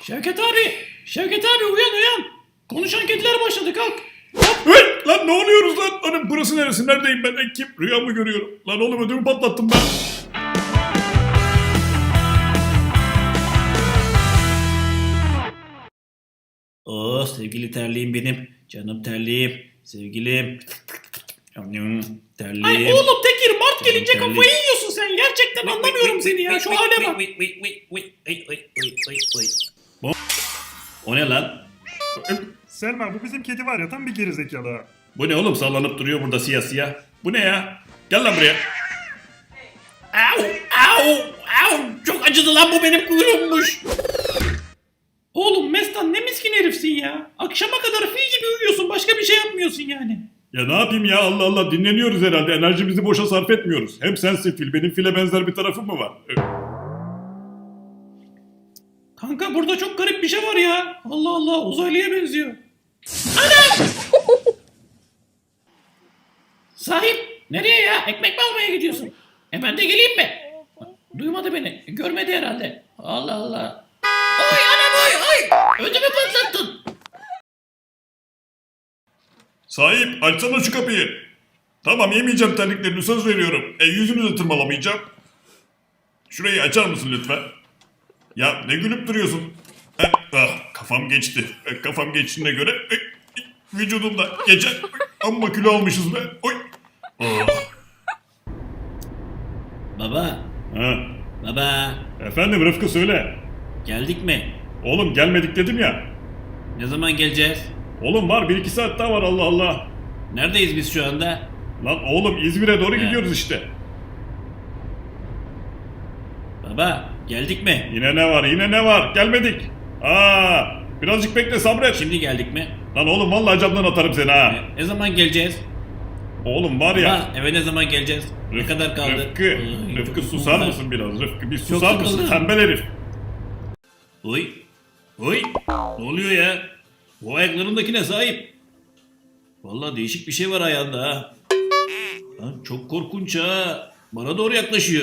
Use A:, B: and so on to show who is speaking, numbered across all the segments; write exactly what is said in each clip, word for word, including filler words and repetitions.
A: Şevket abi! Şevket abi uyan uyan! Konuşan kediler başladı kalk!
B: Hey, lan ne oluyoruz lan? Lan burası neresi? Neredeyim ben? E, kim? Rüya mı görüyorum? Lan oğlum ödümü patlattım ben.
A: Oh sevgili terliğim benim. Canım terliğim. Sevgilim. Terliğim.
C: Ay oğlum Tekir Mart gelince
A: Terlik.
C: kafayı yiyorsun sen. Gerçekten anlamıyorum seni ya. Şu hale bak.
A: O ne lan?
D: Selma bu bizim kedi var ya tam bir gerizekalı.
B: Bu ne oğlum sallanıp duruyor burada siyah siyah. Bu ne ya? Gel lan buraya.
A: Au au au çok acıdı lan bu benim kuyruğummuş.
C: Oğlum Mestan ne miskin herifsin ya. Akşama kadar fil gibi uyuyorsun. Başka bir şey yapmıyorsun yani.
B: Ya ne yapayım ya Allah Allah dinleniyoruz herhalde. Enerjimizi boşa sarf etmiyoruz. Hem sensin fil. Benim file benzer bir tarafım mı var? E,
C: Kanka burada çok garip bir şey var ya. Allah Allah uzaylıya benziyor. Anam! Sahip nereye ya? Ekmek mi almaya gidiyorsun? E ben de geleyim mi? Duymadı beni. Görmedi herhalde. Allah Allah. Oy anam oy oy. Ödümü patlattın.
B: Sahip açsana şu kapıyı. Tamam yemeyeceğim terliklerini söz veriyorum. E yüzünü de tırmalamayacağım. Şurayı açar mısın lütfen? Ya ne gülüp duruyorsun? Eh, ah, kafam geçti. Eh, kafam geçtiğine göre eh, eh, vücudumda geçen amma kilo almışız be. Oy. Oh.
A: Baba
B: Ha.
A: baba
B: Efendim Rıfkı söyle.
A: geldik mi?
B: Oğlum gelmedik dedim ya.
A: Ne zaman geleceğiz?
B: Oğlum var bir iki saat daha var Allah Allah.
A: Neredeyiz biz şu anda?
B: Lan oğlum İzmir'e doğru
A: He.
B: gidiyoruz işte.
A: Baba geldik mi?
B: Yine ne var yine ne var gelmedik. Aa, birazcık bekle sabret.
A: Şimdi geldik mi?
B: Lan oğlum vallahi camdan atarım seni ha.
A: Ne zaman geleceğiz?
B: Oğlum var ya.
A: Baba eve ne zaman geleceğiz? Ne kadar kaldı?
B: Rıfkı,
A: Ay,
B: Rıfkı
A: çok
B: susar
A: sıkıldım.
B: mısın biraz? Rıfkı bir susar
A: Çok
B: mısın?
A: sıkıldım.
B: Tembel herif.
A: Oy. Oy. Ne oluyor ya? Bu ayaklarındakine sahip. Vallahi değişik bir şey var ayağında ha. Lan çok korkunç ha. Bana doğru yaklaşıyor.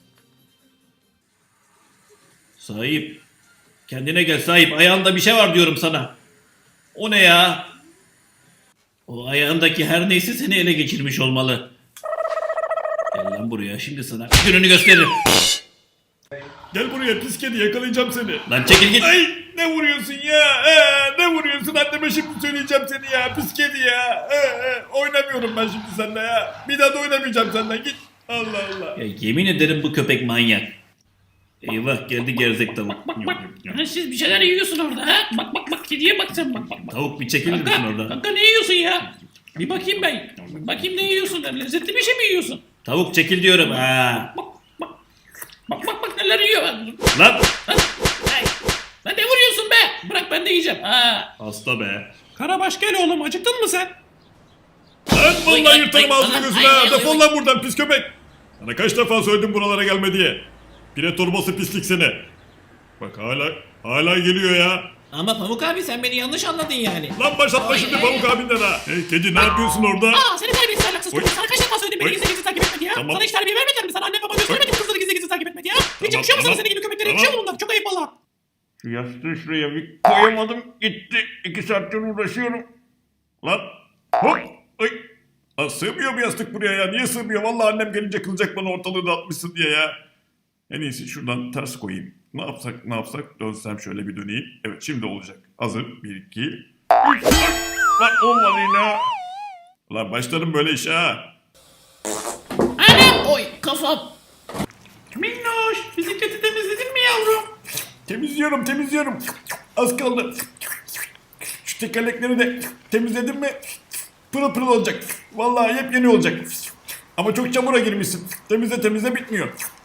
A: Sahip. Kendine gel sahip. Ayağında bir şey var diyorum sana. O ne ya? O ayağındaki her neyse seni ele geçirmiş olmalı. Gel lan buraya şimdi sana gününü gösteririm.
B: Gel buraya pis kedi yakalayacağım seni.
A: Lan çekil git.
B: Ay ne vuruyorsun ya? Ee, ne vuruyorsun? Anneme şimdi söyleyeceğim seni ya. Pis kedi ya. Ee, e, oynamıyorum ben şimdi seninle ya. Bir daha da oynamayacağım senden. Git. Allah Allah.
A: Ya yemin ederim bu köpek manyak. Eyvah geldi gerzek tavuk.
C: Bak bak. Ha, siz bir şeyler yiyorsun orada ha. Bak bak bak kediye bak sen bak bak. bak.
A: Tavuk bir çekilir misin
C: Kanka,
A: oradan?
C: kanka ne yiyorsun ya? Bir bakayım ben. Bakayım ne yiyorsun? Lezzetli bir şey mi yiyorsun?
A: Tavuk çekil diyorum ha.
C: Bak bak. Bak bak bak neler yiyor. Lan.
A: Lan.
C: Ay. Lan ne vuruyorsun be? Bırak ben de yiyeceğim. Ha.
B: Hasta be.
C: Karabaş gel oğlum acıktın mı sen?
B: Lan
A: Oy,
B: vallahi
A: ay,
B: yırtarım
A: ay,
B: ağzını
A: ay,
B: gözüne.
A: ay,
B: ha.
A: ay,
B: Defol
A: ay.
B: lan buradan pis köpek. Sana kaç defa söyledim buralara gelme diye. Pire torbası pislik seni. Bak hala hala geliyor ya.
A: Ama Pamuk abi sen beni yanlış anladın yani.
B: Lan başlatma
A: Ay,
B: şimdi
A: ay,
B: Pamuk
A: ay.
B: abinden ha. Hey kedi ne yapıyorsun orada?
C: Aa seni terbiyesiz ahlaksız
B: Oy.
C: çocuk. Sana kaç defa söyledim beni
B: Oy.
C: gizli gizli takip etme diye.
B: Tamam.
C: Sana hiç terbiye vermediler mi? Sana anne baba göstermedi mi kızları gizli gizli takip etme diye? Hiç
B: Tamam,
C: yakışıyor mu sana
B: tamam.
C: senin gibi köpeklere?
B: Tamam.
C: Yakışıyor mu bunlar? Çok ayıp valla.
B: Şu yastığı şuraya bir koyamadım gitti. İki saattir uğraşıyorum. Lan hop. Ay. Lan sığmıyor bu yastık buraya ya. Niye sığmıyor? Vallahi annem gelince kılacak bana ortalığı dağıtmışsın diye ya. En iyisi şuradan ters koyayım. Ne yapsak ne yapsak dönsem şöyle bir döneyim. Evet şimdi olacak. Hazır. Bir iki. Üç. Lan, lan olmadı yine. Lan başlarım böyle işe ha.
C: Anam! Oy kafam. Minnoş bisikleti temizledin mi yavrum?
B: Temizliyorum temizliyorum. Az kaldı. Şu tekerlekleri de temizledim mi pırıl pırıl olacak. Vallahi yepyeni olacak. Ama çok çamura girmişsin. Temizle temizle bitmiyor.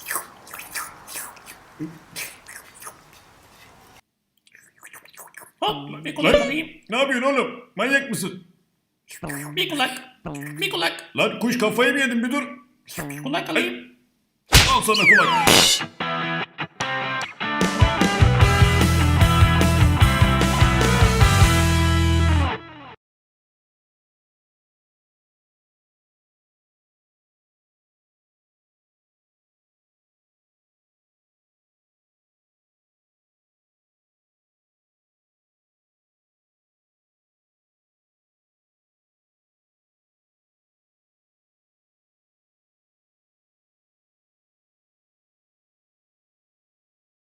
C: Hop bir kulak
B: Lan
C: alayım.
B: ne yapıyorsun oğlum? Manyak mısın?
C: Bir kulak. Bir kulak.
B: Lan kuş kafayı mı yedin bir dur.
C: Kulak alayım.
B: Al sana kulak.